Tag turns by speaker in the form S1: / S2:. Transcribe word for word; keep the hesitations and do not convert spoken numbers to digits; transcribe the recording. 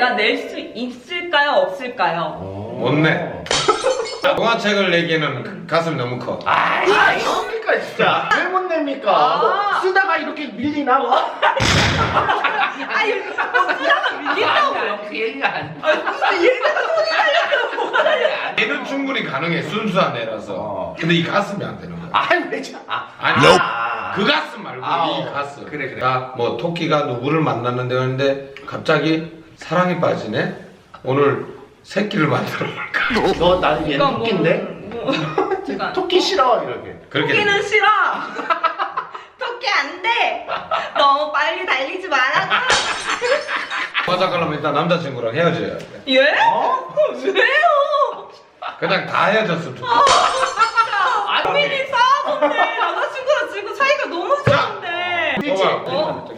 S1: 제가 낼 수 있을까요? 없을까요?
S2: 못 내. 동화책을 내기에는 가슴이 너무 커.
S3: 아이, 뭡니까 진짜? 왜 못 냅니까?
S1: 아.
S3: 뭐 쓰다가 이렇게 밀리나 뭐?
S1: 아니, 뭐 쓰다가 밀린다고요?
S3: 그 얘기가 아니야.
S1: 무슨 얘가 손이 달렸어요? 뭐가 달렸어요?
S2: 애는 충분히 가능해. 순수한 애라서.
S3: 어.
S2: 근데 이 가슴이 안 되는 거야.
S3: 아이 왜 자? 아,
S2: 아니,
S3: 아.
S2: 그 가슴 말고
S3: 아,
S2: 이
S3: 어.
S2: 가슴.
S3: 그래, 그래.
S2: 자, 뭐 토끼가 누구를 만났는데 했는데 갑자기 사랑에 빠지네. 오늘 새끼를 만들어 볼까?
S3: 너 나는 얘
S1: 이건 뭐-
S3: 토끼인데?
S1: 뭐, 잠깐.
S3: 토끼 싫어 이렇게.
S2: 그렇게
S1: 토끼는
S2: 돼.
S1: 싫어. 토끼 안 돼. 너무 빨리 달리지 말아줘.
S2: 맞아가려면 일단 남자친구랑 헤어져야 돼.
S1: 예?
S3: 어?
S1: 왜요?
S2: 그냥 다 헤어졌으면 좋겠어.
S1: 고민이 싸웠는데 남자친구랑 지금 사이가 너무 좋은데.
S2: 봐봐.
S1: 어?